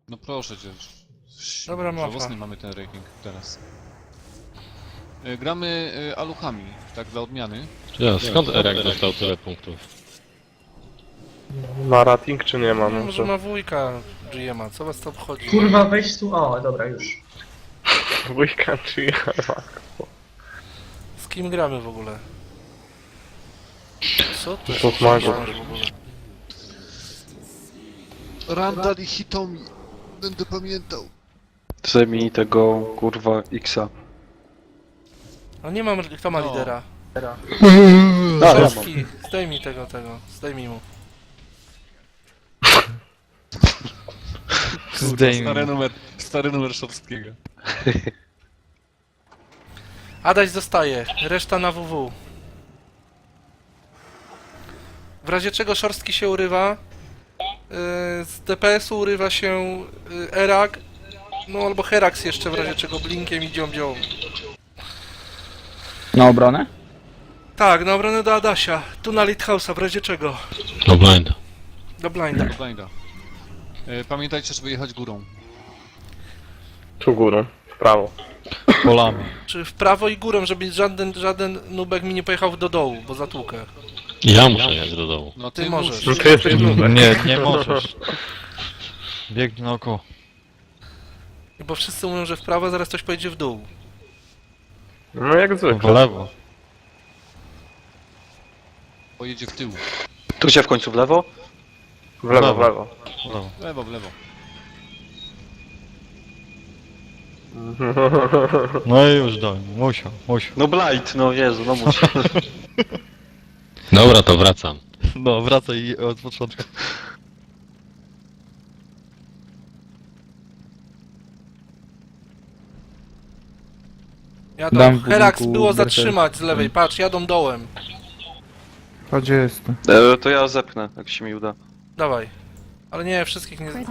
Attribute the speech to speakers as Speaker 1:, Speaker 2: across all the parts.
Speaker 1: No proszę cię.
Speaker 2: Dobra, mapa.
Speaker 1: Żałosny mamy ten ranking teraz. Gramy aluchami, tak dla odmiany.
Speaker 3: Ja, skąd Erek dostał tyle punktów?
Speaker 4: Ma rating czy nie ma?
Speaker 2: No,
Speaker 4: No
Speaker 2: może
Speaker 4: to...
Speaker 2: ma wujka GM'a, co was to obchodzi?
Speaker 5: Kurwa, weź tu. O, dobra, już.
Speaker 4: Wujka czy ja?
Speaker 2: Z kim gramy w ogóle? Co to
Speaker 4: To magów.
Speaker 2: w ogóle?
Speaker 1: Randall i Hitomi. Będę pamiętał.
Speaker 6: Zajmij tego kurwa Xa.
Speaker 2: No nie mam, kto ma
Speaker 1: No.
Speaker 2: lidera?
Speaker 6: A, ja mam.
Speaker 2: Szorstki, zdejmij tego, zdejmij mu.
Speaker 1: Stary numer Szorstkiego.
Speaker 2: Adaś zostaje, reszta na WW. W razie czego Szorstki się urywa, z DPS-u urywa się Erak, no albo Herax jeszcze w razie czego blinkiem i dzią.
Speaker 7: Na obronę?
Speaker 2: Tak, na obronę do Adasia, tu na Lighthouse'a w razie czego.
Speaker 3: No blind.
Speaker 2: Do Blinda.
Speaker 1: Blinda. Pamiętajcie, żeby jechać górą.
Speaker 4: Tu górą, w prawo.
Speaker 3: Polami.
Speaker 2: Czy w prawo i górą, żeby żaden nubek mi nie pojechał do dołu, bo zatłukę.
Speaker 3: Ja muszę jechać do dołu.
Speaker 1: No
Speaker 2: Ty możesz.
Speaker 4: No ty jesteś nubek.
Speaker 8: Nie możesz. Biegnij naokoło.
Speaker 2: Bo wszyscy mówią, że w prawo, a zaraz ktoś pojedzie w dół.
Speaker 4: No jak
Speaker 8: W
Speaker 4: zwykle.
Speaker 8: lewo.
Speaker 1: Pojedzie w tył.
Speaker 6: Tu gdzie w końcu w lewo?
Speaker 4: W lewo, w lewo.
Speaker 8: W lewo.
Speaker 1: W lewo.
Speaker 8: No i już dałem. Musiał.
Speaker 6: No blind, no Jezu, no muszę.
Speaker 3: Dobra, to wracam.
Speaker 8: No, wracaj od początku.
Speaker 2: Jadą.
Speaker 7: Dam w
Speaker 2: Herax
Speaker 7: budynku
Speaker 2: było
Speaker 7: berserk.
Speaker 2: zatrzymać z lewej, patrz, jadą dołem.
Speaker 7: A gdzie jestem?
Speaker 6: To ja zepnę, jak się mi uda.
Speaker 2: Dawaj. Ale nie, wszystkich nie...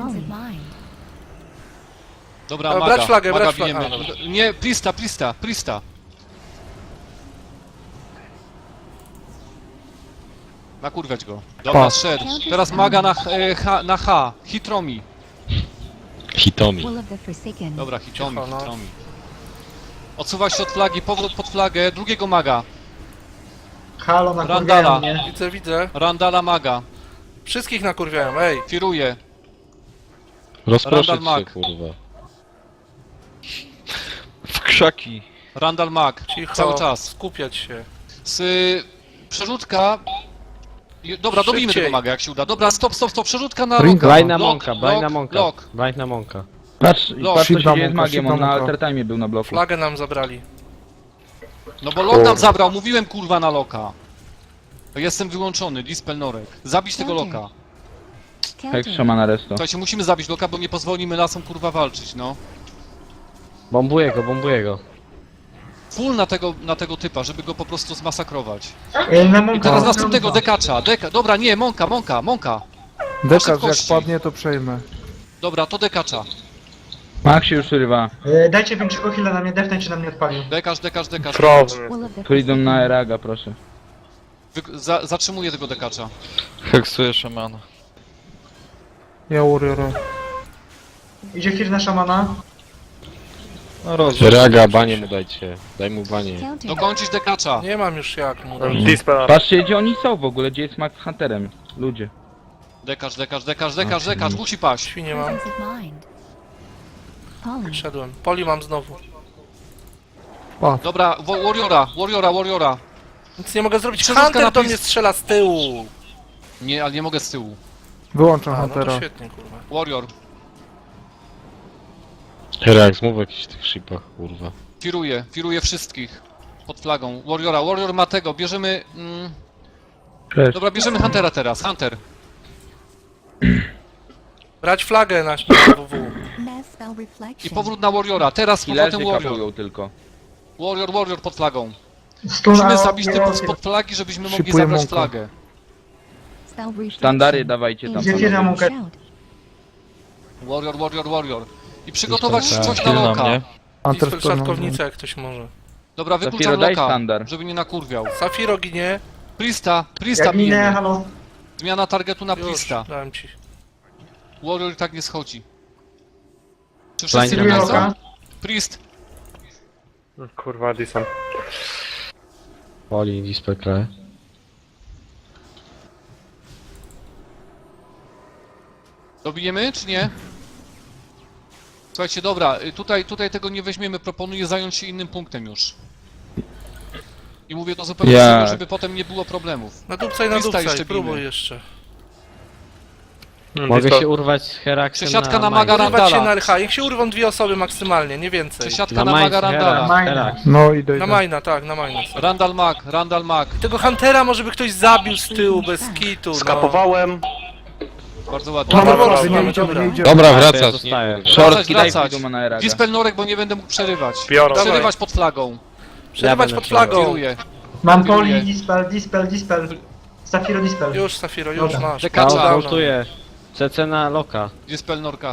Speaker 1: Dobra,
Speaker 2: Brać
Speaker 1: maga.
Speaker 2: flagę,
Speaker 1: Maga
Speaker 2: brać flagę.
Speaker 1: bijemy.
Speaker 2: A, dobra.
Speaker 1: Nie, Prista. Nakurwiać go. Dobra,
Speaker 7: Pa.
Speaker 1: szedł. Teraz maga na H. Hitromi.
Speaker 3: Hitomi.
Speaker 1: Dobra, Hitomi,
Speaker 2: Cicho, no.
Speaker 1: Hitromi. Odsuwa się od flagi, powrót pod flagę, drugiego maga.
Speaker 5: Halo, nakurwiają
Speaker 1: Randala.
Speaker 5: mnie.
Speaker 2: Widzę.
Speaker 1: Randala maga.
Speaker 2: Wszystkich nakurwiają, ej.
Speaker 1: Firuje.
Speaker 3: Rozproszyć
Speaker 1: Randall
Speaker 3: się,
Speaker 1: Mac.
Speaker 3: kurwa.
Speaker 8: W krzaki.
Speaker 1: Randall mag.
Speaker 2: Cicho.
Speaker 1: Cały czas.
Speaker 2: Skupiać się.
Speaker 1: Przerzutka. Dobra, dobijmy
Speaker 2: Szybciej.
Speaker 1: tego maga jak się uda. Dobra, stop. Przerzutka na
Speaker 7: Ringa.
Speaker 1: loka.
Speaker 9: Blind na
Speaker 1: Lok,
Speaker 9: Monka, blind na
Speaker 1: lok,
Speaker 9: Monka.
Speaker 1: lok.
Speaker 9: Blind na Monka.
Speaker 7: Patrz,
Speaker 1: Los.
Speaker 7: patrz co się
Speaker 4: Shida
Speaker 7: dzieje z
Speaker 4: Monka,
Speaker 7: magiem, on
Speaker 4: Shida
Speaker 7: na
Speaker 4: Monka.
Speaker 7: altertime był na bloku.
Speaker 2: Flagę nam zabrali.
Speaker 1: No bo lok nam zabrał, mówiłem kurwa na loka. Jestem wyłączony, dispel norek. Zabić tego loka.
Speaker 7: Hex szamana resto.
Speaker 1: Słuchajcie, musimy zabić loka, bo nie pozwolimy lasom kurwa walczyć, no.
Speaker 9: Bombuję go.
Speaker 1: Full na tego typa, żeby go po prostu zmasakrować.
Speaker 5: Na
Speaker 1: I
Speaker 5: Monka
Speaker 1: teraz
Speaker 5: mam
Speaker 1: następnego
Speaker 5: dwa.
Speaker 1: dekacza. Dobra, nie, Monka.
Speaker 4: Dekarz jak
Speaker 1: szybkości.
Speaker 4: padnie to przejmę.
Speaker 1: Dobra, to dekacza.
Speaker 7: Mag się już urywa.
Speaker 5: Dajcie większego heala na mnie, defnę czy na mnie odpalił.
Speaker 1: Dekacz.
Speaker 4: Problem.
Speaker 7: Tu idą na Eraga, proszę.
Speaker 1: Zatrzymuję tego dekacza.
Speaker 8: Heksuję szamana.
Speaker 4: Ja Warriora.
Speaker 5: Idzie Fir na szamana.
Speaker 8: No rozumiem.
Speaker 9: Raga, banie mu dajcie. Daj mu banie.
Speaker 1: Dokończyć dekacza.
Speaker 2: Nie mam już jak mu dać.
Speaker 4: Dispel.
Speaker 7: Patrzcie gdzie oni są w ogóle, gdzie jest mag z Hunterem. Ludzie.
Speaker 1: Dekacz, musi paść.
Speaker 2: Świnie mam. Szedłem. Poli mam znowu.
Speaker 1: Dobra, Warriora.
Speaker 2: Nic nie mogę zrobić.
Speaker 1: Przerzutka
Speaker 2: Hunter
Speaker 1: na
Speaker 2: do
Speaker 1: pis-
Speaker 2: mnie strzela z tyłu.
Speaker 1: Nie, ale nie mogę z tyłu.
Speaker 4: Wyłączam
Speaker 2: A, no to
Speaker 4: Huntera.
Speaker 2: świetnie, kurwa.
Speaker 1: Warrior.
Speaker 3: Relax, mów o jakichś tych shipach, kurwa.
Speaker 1: Firuje wszystkich. Pod flagą. Warrior ma tego, bierzemy... Dobra, bierzemy Huntera teraz, Hunter.
Speaker 2: Brać flagę na WW.
Speaker 1: I powrót na Warriora, teraz z
Speaker 7: Killerzy
Speaker 1: powrotem Warrior.
Speaker 7: kapują tylko.
Speaker 1: Warrior pod flagą.
Speaker 5: Stun,
Speaker 1: Musimy
Speaker 5: a
Speaker 1: zabić
Speaker 5: nie
Speaker 1: typów
Speaker 5: robię.
Speaker 1: spod flagi, żebyśmy mogli
Speaker 4: Szykuję
Speaker 1: zabrać
Speaker 4: Monka.
Speaker 1: flagę.
Speaker 7: Sztandary dawajcie tam.
Speaker 5: Idzie Fir na Monka.
Speaker 1: Warrior. I przygotować coś na
Speaker 8: Chwilę na
Speaker 1: loka.
Speaker 8: mnie.
Speaker 2: Dispel szatkownica jak ktoś może.
Speaker 1: Dobra,
Speaker 7: Zafiro,
Speaker 1: wykluczam
Speaker 7: daj
Speaker 1: loka,
Speaker 7: sztandar.
Speaker 1: żeby nie nakurwiał.
Speaker 2: Safiro ginie.
Speaker 1: Prista
Speaker 5: Jak minę,
Speaker 1: bijemy.
Speaker 5: halo.
Speaker 1: Zmiana targetu na
Speaker 2: Już,
Speaker 1: Prista.
Speaker 2: dałem ci.
Speaker 1: Warrior i tak nie schodzi. Czy wszyscy
Speaker 9: Blind
Speaker 1: nie
Speaker 5: Oka.
Speaker 1: są? Priest.
Speaker 4: Kurwa, Dyson.
Speaker 9: Poli, Dispel Krae.
Speaker 1: Dobijemy, czy nie? Słuchajcie, dobra, tutaj tego nie weźmiemy, proponuję zająć się innym punktem już. I mówię to zupełnie
Speaker 7: Jak?
Speaker 1: serio, żeby potem nie było problemów.
Speaker 2: Nadupcaj,
Speaker 1: Krista jeszcze
Speaker 2: nadupcaj,
Speaker 1: bijmy.
Speaker 2: próbuj jeszcze.
Speaker 9: Mogę się urwać z Heraxem
Speaker 1: Przesiadka na
Speaker 9: Maga.
Speaker 1: Maga
Speaker 2: Urywać się
Speaker 1: Randala.
Speaker 2: na LH, niech się urwą 2 osoby maksymalnie, nie więcej.
Speaker 1: Przesiadka na Maga Randala.
Speaker 9: Herax.
Speaker 4: No idę,
Speaker 2: Na
Speaker 4: idę.
Speaker 2: Majna, tak, na Majna.
Speaker 1: Randal Mag.
Speaker 2: Tego Huntera może by ktoś zabił z tyłu, bez kitu, no.
Speaker 6: Skapowałem.
Speaker 1: Bardzo ładnie.
Speaker 2: Mamy
Speaker 4: Dobra,
Speaker 2: Warsa,
Speaker 4: nie
Speaker 2: mamy,
Speaker 4: idziemy,
Speaker 2: dobra.
Speaker 4: nie idziemy.
Speaker 3: Dobra,
Speaker 9: Ja
Speaker 3: wracasz,
Speaker 9: zostaję.
Speaker 3: nie?
Speaker 7: Szorstki, daj
Speaker 1: wracać.
Speaker 7: Fiduma na Eraga.
Speaker 1: Dispel Norek, bo nie będę mógł przerywać.
Speaker 2: Dawaj.
Speaker 1: Przerywać pod flagą.
Speaker 2: Przerywać
Speaker 9: Ja
Speaker 2: pod
Speaker 9: będę
Speaker 2: flagą.
Speaker 1: Kieruję.
Speaker 5: Mam
Speaker 1: Kieruję.
Speaker 5: poli, dispel. Safiro dispel.
Speaker 2: Już, Safiro, już
Speaker 5: Dobra.
Speaker 2: masz.
Speaker 1: Dekacza.
Speaker 2: Dawno.
Speaker 9: Ultuję. CC na Loka.
Speaker 1: Dispel Norka.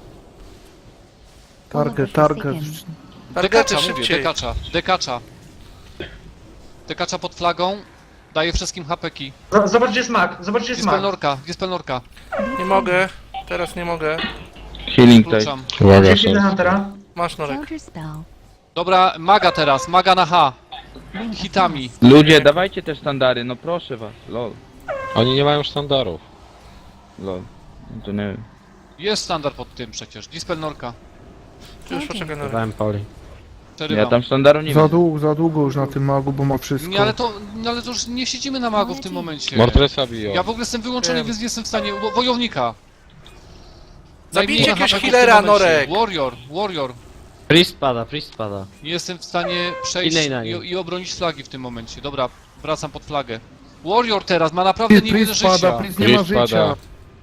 Speaker 4: Target.
Speaker 2: Targety
Speaker 1: Dekacza, mówię,
Speaker 2: szybciej.
Speaker 1: dekacza. Dekacza pod flagą. Daję wszystkim hapeki.
Speaker 5: Zobacz, gdzie jest mag. Zobacz, gdzie jest mag.
Speaker 1: Dispel Norka.
Speaker 2: Nie mogę, teraz nie mogę.
Speaker 7: Healing tutaj.
Speaker 1: Wkluczam.
Speaker 3: Uwaga,
Speaker 5: Gdzie chwilę
Speaker 3: szorstki.
Speaker 5: Huntera?
Speaker 2: Masz Norek.
Speaker 1: Dobra, Maga teraz, Maga na H. Hitami.
Speaker 7: Ludzie, dawajcie te sztandary, no proszę was. Lol.
Speaker 3: Oni nie mają sztandarów.
Speaker 7: Lol. No to nie wiem.
Speaker 1: Jest standard pod tym przecież. Dispel Norka.
Speaker 2: Już poczekaj Norek.
Speaker 9: Dawałem Poli.
Speaker 7: Ja
Speaker 1: Przerywam.
Speaker 7: tam sztandaru nie
Speaker 4: Za
Speaker 7: wiem.
Speaker 4: długo już na tym magu, bo ma wszystko.
Speaker 1: Nie, ale to już nie siedzimy na Magu w tym momencie.
Speaker 3: Mortresa biją.
Speaker 1: Ja w ogóle jestem wyłączony,
Speaker 2: Wiem.
Speaker 1: więc nie jestem w stanie. Wojownika.
Speaker 2: Zabijcie
Speaker 1: Najmniej
Speaker 2: jakiegoś
Speaker 1: hapeków w
Speaker 2: healera,
Speaker 1: tym momencie.
Speaker 2: Norek.
Speaker 1: Warrior.
Speaker 9: Priest pada.
Speaker 1: Nie jestem w stanie przejść
Speaker 9: Innej na nim.
Speaker 1: i obronić flagi w tym momencie. Dobra, wracam pod flagę. Warrior teraz ma naprawdę niewiele
Speaker 4: Priest
Speaker 1: życia.
Speaker 4: pada, Priest nie ma
Speaker 3: Priest pada.
Speaker 4: życia.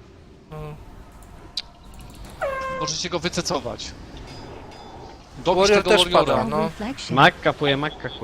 Speaker 1: Możecie go wycecować. Dobić
Speaker 2: Warrior
Speaker 1: tego
Speaker 2: też
Speaker 1: Warriora.
Speaker 2: pada, no.
Speaker 9: Mag kapuje.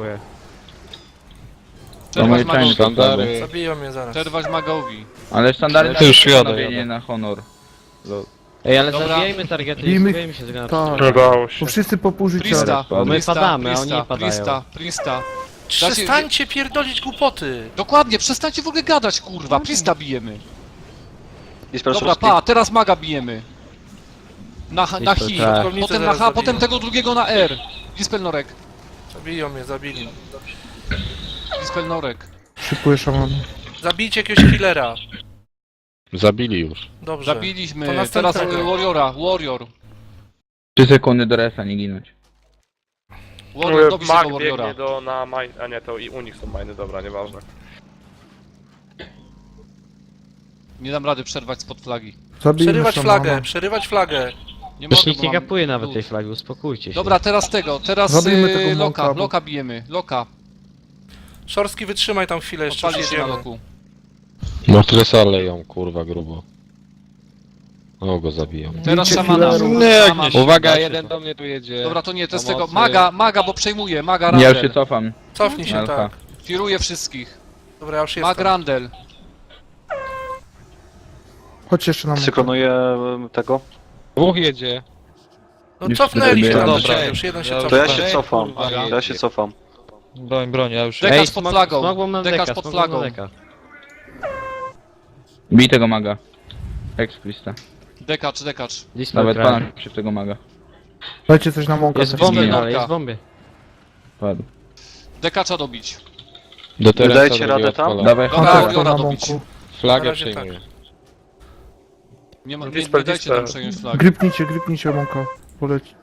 Speaker 1: Przerwać
Speaker 7: moje
Speaker 1: Magowi.
Speaker 7: czajne
Speaker 3: Sztandary.
Speaker 2: Zabiją mnie zaraz.
Speaker 1: Przerwać Magowi.
Speaker 7: Ale sztandary
Speaker 3: To już
Speaker 7: na
Speaker 3: jadę,
Speaker 7: panowie, nie
Speaker 3: jadę.
Speaker 7: na honor. Lol.
Speaker 9: Ej, ale
Speaker 1: Dobra.
Speaker 9: zabijajmy targety, nie
Speaker 4: Bijmy-
Speaker 9: zabijajmy się tego na
Speaker 4: Tak. Bo wszyscy po pół życia.
Speaker 1: Prista.
Speaker 7: Bo
Speaker 9: my padamy, a oni nie padają.
Speaker 1: Prista.
Speaker 2: Przestańcie pierdolić głupoty.
Speaker 1: Dokładnie, przestańcie w ogóle gadać, kurwa. Prista bijemy.
Speaker 6: Dispel
Speaker 1: Dobra,
Speaker 6: szorstki.
Speaker 1: teraz Maga bijemy. Na hi,
Speaker 9: Tak.
Speaker 1: potem na H,
Speaker 2: zaraz
Speaker 1: potem
Speaker 2: zabiją.
Speaker 1: tego drugiego na R. Dispel Norek.
Speaker 2: Zabiją mnie, zabili.
Speaker 1: Dispel Norek.
Speaker 4: Szykuję szamana.
Speaker 2: Zabijcie jakiegoś healera.
Speaker 3: Zabili już.
Speaker 2: Dobrze. To
Speaker 1: Zabiliśmy. Teraz
Speaker 2: następnego.
Speaker 1: Warrior.
Speaker 7: 3 sekundy do resa, nie ginąć.
Speaker 1: Warrior, dobić tego Warriora.
Speaker 10: na mine, a nie, to i u nich są miny, dobra, nieważne.
Speaker 1: Nie dam rady przerwać spod flagi.
Speaker 4: Zabijmy
Speaker 2: Przerywać
Speaker 4: szamana.
Speaker 2: flagę, przerywać flagę.
Speaker 1: Nie
Speaker 9: Już
Speaker 1: mogę,
Speaker 9: nikt
Speaker 1: bo
Speaker 9: nie
Speaker 1: mam
Speaker 9: kapuje nawet
Speaker 1: lód.
Speaker 9: tej flagi, uspokójcie się.
Speaker 1: Dobra, teraz
Speaker 4: Zabijmy tego Monka, bo-
Speaker 1: Loka bijemy. Loka.
Speaker 2: Szorstki, wytrzymaj tam chwilę, jeszcze już
Speaker 1: Odpalić się na
Speaker 2: jedziemy.
Speaker 1: loku.
Speaker 3: Mortresa leją, kurwa, grubo. O, go zabiją.
Speaker 1: Teraz
Speaker 4: Bijcie
Speaker 1: szamana.
Speaker 4: healerów.
Speaker 3: Nie, jak
Speaker 1: Szaman.
Speaker 3: nie. Uwaga, jeden do mnie tu jedzie.
Speaker 1: Dobra, to nie, to jest tego.
Speaker 3: Pomocy.
Speaker 1: Maga, bo przejmuje. Maga
Speaker 7: Ja już się
Speaker 1: Randel.
Speaker 7: cofam.
Speaker 2: Cofnij się,
Speaker 7: Alfa.
Speaker 2: tak.
Speaker 1: Firuje wszystkich.
Speaker 2: Dobra, ja już
Speaker 1: Mag
Speaker 2: jestem.
Speaker 1: Randel.
Speaker 4: Chodź jeszcze na Monka.
Speaker 6: Synkronuję tego.
Speaker 3: Dwóch jedzie.
Speaker 2: No
Speaker 7: Już
Speaker 2: cofnęli się
Speaker 7: sobie
Speaker 2: tam,
Speaker 8: dobra.
Speaker 2: dobra, już jeden się
Speaker 8: To
Speaker 6: To ja
Speaker 2: cofnął.
Speaker 6: się cofam.
Speaker 3: kurwa,
Speaker 6: Ja się cofam.
Speaker 8: Broń, ja już...
Speaker 1: Dekacz pod flagą.
Speaker 9: Smogą nam
Speaker 1: Dekacz
Speaker 9: deka,
Speaker 1: pod
Speaker 9: smogą nam
Speaker 1: flagą.
Speaker 9: deka.
Speaker 7: Bij tego maga. Ex Krista.
Speaker 1: Dekacz.
Speaker 9: Dispel
Speaker 7: Nawet
Speaker 9: Krae.
Speaker 7: pana się w tego maga.
Speaker 4: Dajcie coś na Monka.
Speaker 9: Jest
Speaker 4: też.
Speaker 9: w bombie
Speaker 1: Zbijmy
Speaker 9: dalej,
Speaker 1: Monka.
Speaker 9: jest w bombie.
Speaker 7: Padł.
Speaker 1: Dekacza dobić.
Speaker 3: Do Teresa
Speaker 6: Dajcie
Speaker 3: drugi
Speaker 6: radę tam?
Speaker 3: odpala.
Speaker 7: Dawaj
Speaker 1: Dobra,
Speaker 7: honor.
Speaker 1: Warriora
Speaker 4: na
Speaker 1: dobić.
Speaker 4: Monku.
Speaker 2: Na
Speaker 3: Flagę
Speaker 2: razie
Speaker 3: przejmuje.
Speaker 1: Nie dajcie tam przejąć flagi.
Speaker 4: Gripnijcie Monka. Poleci.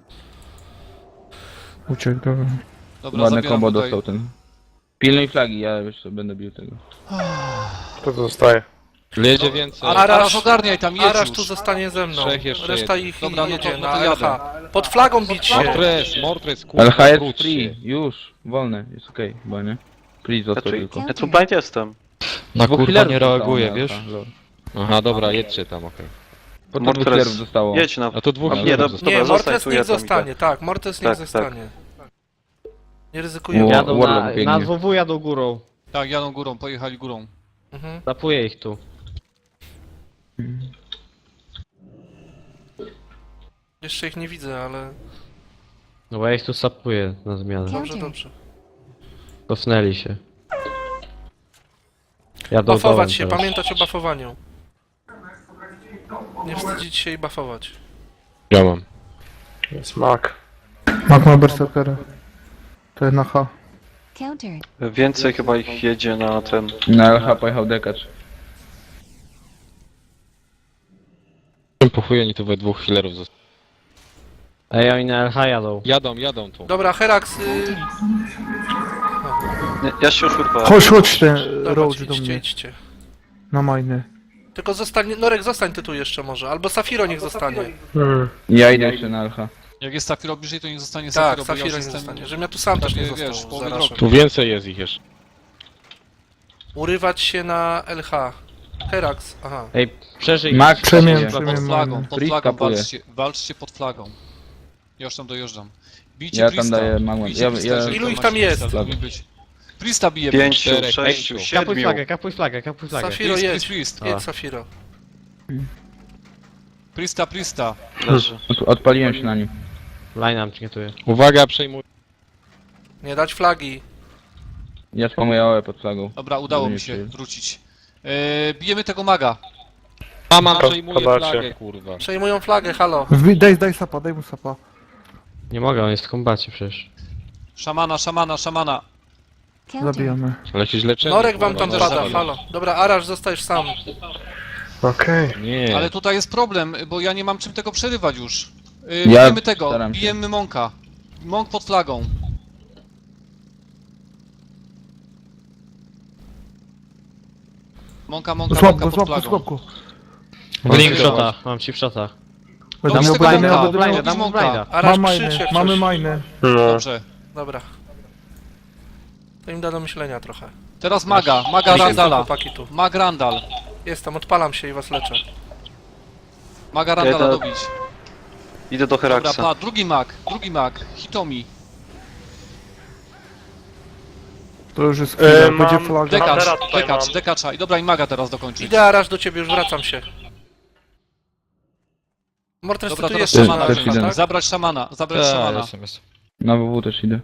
Speaker 4: Uciekł, dobra.
Speaker 1: Dobra,
Speaker 7: Ładne
Speaker 1: zabieram
Speaker 7: combo
Speaker 1: tutaj.
Speaker 7: dostał ten. Pilnuj flagi, ja jeszcze będę bił tego.
Speaker 10: To zostaje.
Speaker 3: Jedzie więcej.
Speaker 2: Arasz
Speaker 1: ogarniaj tam, jedź
Speaker 2: Arasz
Speaker 1: już.
Speaker 2: tu zostanie ze mną.
Speaker 3: Trzech jeszcze
Speaker 2: Reszta
Speaker 3: jedzie.
Speaker 2: ich
Speaker 1: Dobra, no
Speaker 2: jedzie
Speaker 1: to
Speaker 2: na
Speaker 1: jadę.
Speaker 2: LH. Pod flagą bić się.
Speaker 3: Mortres, kurwa,
Speaker 7: LH jest
Speaker 3: wróć
Speaker 7: free,
Speaker 3: się.
Speaker 7: już. Wolne, jest okej, chyba nie? Please
Speaker 6: Ja
Speaker 7: został
Speaker 6: tu,
Speaker 7: tylko.
Speaker 6: ja tu blind jestem.
Speaker 8: Na
Speaker 7: Dwóch
Speaker 8: kurwa
Speaker 7: healerów
Speaker 8: nie
Speaker 7: zostało
Speaker 8: reaguje,
Speaker 7: na
Speaker 8: wiesz?
Speaker 7: LH, lol.
Speaker 3: Aha, dobra, jedźcie tam, okej.
Speaker 7: Po to
Speaker 6: Mortres.
Speaker 7: dwóch healerów zostało.
Speaker 6: Jedź na...
Speaker 3: A to dwóch
Speaker 6: Nie,
Speaker 3: healerów
Speaker 6: do-
Speaker 3: zostało.
Speaker 2: Nie,
Speaker 6: Dobra,
Speaker 2: Mortres
Speaker 6: zostań tu,
Speaker 2: niech
Speaker 6: ja tam
Speaker 2: zostanie,
Speaker 6: idę.
Speaker 2: tak, Mortres niech
Speaker 6: Tak,
Speaker 2: zostanie. Nie ryzykujemy.
Speaker 7: Ło-
Speaker 9: Jadą
Speaker 7: Warlock
Speaker 9: na
Speaker 7: biegnie.
Speaker 9: WW, jadą górą.
Speaker 1: Tak, jadą górą, pojechali górą.
Speaker 2: Mhm.
Speaker 9: Zapuję ich tu.
Speaker 2: Jeszcze ich nie widzę, ale
Speaker 9: No bo ja ich tu sapuję na zmianę.
Speaker 2: dobrze, dobrze.
Speaker 9: Cofnęli się. Jadą dołem
Speaker 2: Buffować się,
Speaker 9: teraz.
Speaker 2: pamiętać o buffowaniu. Nie wstydzić się i buffować.
Speaker 3: Ja mam.
Speaker 10: Jest mak.
Speaker 4: Mak ma berserkerę. To jest na H.
Speaker 11: Countered.
Speaker 6: Więcej chyba ich jedzie na ten...
Speaker 7: Na LH pojechał dekacz.
Speaker 3: Po chuj oni tu we dwóch healerów zostali.
Speaker 9: Ej, oni na LH jadą.
Speaker 3: Jadą tu.
Speaker 2: Dobra, Herax,
Speaker 6: Nie, ja się już urwałem.
Speaker 4: Chodź ten
Speaker 2: dobra,
Speaker 4: Roach do
Speaker 2: idźcie,
Speaker 4: mnie.
Speaker 2: idźcie.
Speaker 4: Na majny.
Speaker 2: Tylko zostań, Norek, zostań ty tu jeszcze może, albo Safiro niech zostanie.
Speaker 7: Ja idę jeszcze na LH.
Speaker 1: Jak jest Safiro bliżej, to niech zostanie
Speaker 2: Tak,
Speaker 1: Safiro, bo ja
Speaker 2: Safiro
Speaker 1: już
Speaker 2: niech
Speaker 1: jestem...
Speaker 2: zostanie, żebym ja tu sam też nie
Speaker 1: Prawie, wiesz,
Speaker 2: został.
Speaker 1: połowy
Speaker 2: Zaraz.
Speaker 1: drogi.
Speaker 3: Tu więcej jest ich jeszcze.
Speaker 2: Urywać się na LH. Herax, aha.
Speaker 9: Ej, przeżyj.
Speaker 7: Mak
Speaker 4: Przemień,
Speaker 1: Pod
Speaker 4: przemień
Speaker 1: flagą,
Speaker 4: majny.
Speaker 1: pod
Speaker 7: Priest
Speaker 1: flagą,
Speaker 7: kapuje.
Speaker 1: walczcie pod flagą. Ja już tam dojeżdżam. Bijcie
Speaker 7: Ja tam
Speaker 1: Priesta.
Speaker 7: daję magłem.
Speaker 1: Bijcie
Speaker 7: Ja-
Speaker 1: Priesta,
Speaker 7: ja-
Speaker 1: jeżeli
Speaker 2: Ilu
Speaker 1: to
Speaker 2: ich
Speaker 1: macie
Speaker 2: tam jest?
Speaker 1: Priesta, to powinien być. Priesta bije.
Speaker 6: 5,
Speaker 3: czterech,
Speaker 6: 6,
Speaker 3: pięciu.
Speaker 6: 7.
Speaker 9: Kapuj flagę, kapuj flagę.
Speaker 2: Safiro
Speaker 1: Priest,
Speaker 2: jedź,
Speaker 1: Priest.
Speaker 2: jedź Safiro.
Speaker 1: Priesta.
Speaker 6: Leży.
Speaker 7: Odpaliłem się na nim.
Speaker 9: Line nam czytuje.
Speaker 3: Uwaga, przejmuj.
Speaker 2: Nie dać flagi.
Speaker 7: Ja spamuję AOE pod flagą.
Speaker 1: Dobra, udało
Speaker 7: Żeby
Speaker 1: mi
Speaker 7: nie
Speaker 1: się
Speaker 7: przyjął.
Speaker 1: wrócić. Bijemy tego maga.
Speaker 3: Mama przejmuje
Speaker 10: zobaczcie.
Speaker 3: flagę, kurwa.
Speaker 2: Przejmują flagę, halo.
Speaker 4: Daj sapa, daj mu sapa.
Speaker 9: Nie mogę, on jest w kombacie przecież.
Speaker 1: Szamana.
Speaker 11: Countered.
Speaker 4: Zabijamy.
Speaker 3: Ale się źle czemu,
Speaker 2: Norek wam
Speaker 3: kurwa,
Speaker 2: tam
Speaker 3: no,
Speaker 2: pada,
Speaker 3: zabij.
Speaker 2: halo. Dobra, Arasz, zostajesz sam.
Speaker 10: Okej.
Speaker 3: Nie.
Speaker 1: Ale tutaj jest problem, bo ja nie mam czym tego przerywać już.
Speaker 7: Ja
Speaker 1: Bijemy tego,
Speaker 7: staram się.
Speaker 1: bijemy Monka. Monk pod flagą. Monka
Speaker 4: Złap go,
Speaker 1: pod
Speaker 4: złap go,
Speaker 1: flagą.
Speaker 4: złap go.
Speaker 9: Mam ci w shotach, mam ci w shotach.
Speaker 1: Dobrze,
Speaker 4: Dam mu
Speaker 1: tego
Speaker 4: blajny,
Speaker 1: Monka,
Speaker 4: odebrałem.
Speaker 1: Monka.
Speaker 9: Dam mu blinda.
Speaker 2: Arasz
Speaker 4: Mam
Speaker 2: krzycz
Speaker 4: majny,
Speaker 2: jak
Speaker 4: mamy
Speaker 2: coś.
Speaker 4: majny.
Speaker 10: No.
Speaker 1: Dobrze.
Speaker 2: Dobra. To im da do myślenia trochę.
Speaker 1: Teraz maga
Speaker 2: Jestem,
Speaker 1: Randala.
Speaker 2: chłopaki tu.
Speaker 1: Mag Randal.
Speaker 2: Jestem, odpalam się i was leczę.
Speaker 1: Maga Randala
Speaker 6: Jeden.
Speaker 1: dobić.
Speaker 6: Idę do
Speaker 1: Dobra,
Speaker 6: Heraxa.
Speaker 1: drugi mag. Hitomi.
Speaker 4: To już jest chwila, będzie
Speaker 10: Mam
Speaker 4: flaga.
Speaker 10: Huntera tutaj mam.
Speaker 1: Dekacza. I dobra, i maga teraz dokończyć.
Speaker 2: Idę Arasz do ciebie, już wracam się. Mortres,
Speaker 1: Dobra,
Speaker 2: ty tu
Speaker 1: teraz
Speaker 2: jeszcze
Speaker 1: szamana.
Speaker 7: też
Speaker 2: masz,
Speaker 7: idę.
Speaker 2: tak?
Speaker 1: Zabrać szamana.
Speaker 8: Jestem.
Speaker 7: Na WW też idę.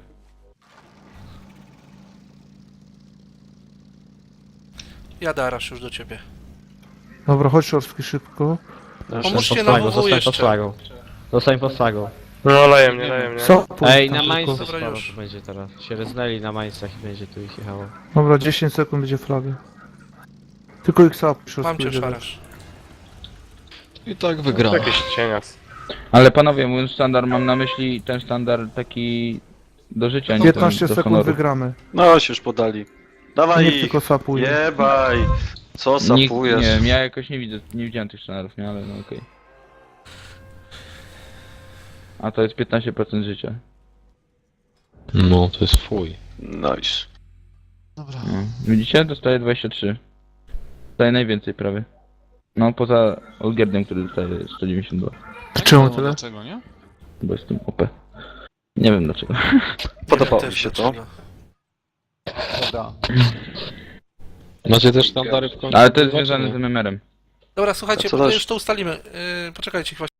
Speaker 2: Jadę Arasz już do ciebie.
Speaker 4: Dobra, chodź Szorski szybko.
Speaker 2: Pomóżcie
Speaker 9: Pod
Speaker 2: na
Speaker 9: flagą,
Speaker 2: WW
Speaker 9: zostań
Speaker 2: jeszcze.
Speaker 9: pod flagą. Zostań pod flagą.
Speaker 10: No leje mnie.
Speaker 4: Sapuj
Speaker 9: Ej,
Speaker 4: tam
Speaker 9: na
Speaker 4: szybko.
Speaker 9: Mainzu
Speaker 2: Dobra,
Speaker 9: sporo
Speaker 2: już.
Speaker 9: tu będzie teraz. Się reznęli na Mainzach i będzie tu ich jechało.
Speaker 4: Dobra, 10 sekund będzie flaga. Tylko ich sapuj, Szorski.
Speaker 2: Mam cię już
Speaker 4: będzie
Speaker 2: Arasz.
Speaker 3: I tak wygrałem.
Speaker 10: Jakiś cienias.
Speaker 7: Ale panowie, mówiąc sztandar, mam na myśli ten sztandar taki do życia, nie
Speaker 4: 15
Speaker 7: ten do
Speaker 4: sekund
Speaker 7: honoru.
Speaker 4: wygramy.
Speaker 6: No się już podali. Dawaj
Speaker 4: Niech
Speaker 6: ich.
Speaker 4: tylko sapuje.
Speaker 6: Jebaj. Co
Speaker 7: Nikt,
Speaker 6: sapujesz?
Speaker 7: nie wiem, ja jakoś nie widziałem tych sztandarów, nie, ale no okej. A to jest 15% życia.
Speaker 3: No, to jest fuj.
Speaker 6: Nice.
Speaker 1: Dobra.
Speaker 7: No. Widzicie? Dostaje 23. Dostaje najwięcej prawie. No, poza Olgierdem, który dostaje 192.
Speaker 4: Czemu tyle?
Speaker 1: Dlaczego, nie?
Speaker 7: Bo jest tym OP. Nie wiem dlaczego.
Speaker 6: Podobało
Speaker 2: Też
Speaker 6: mi się to.
Speaker 2: dlaczego.
Speaker 1: Dobra.
Speaker 3: Macie też standardy w końcu?
Speaker 7: Ale to jest
Speaker 3: kurwa, czy
Speaker 7: związane
Speaker 3: nie?
Speaker 7: z MMR-em.
Speaker 2: Dobra, słuchajcie,
Speaker 6: A co
Speaker 2: bo to
Speaker 6: dalej?
Speaker 2: już to ustalimy. Poczekajcie chwilę.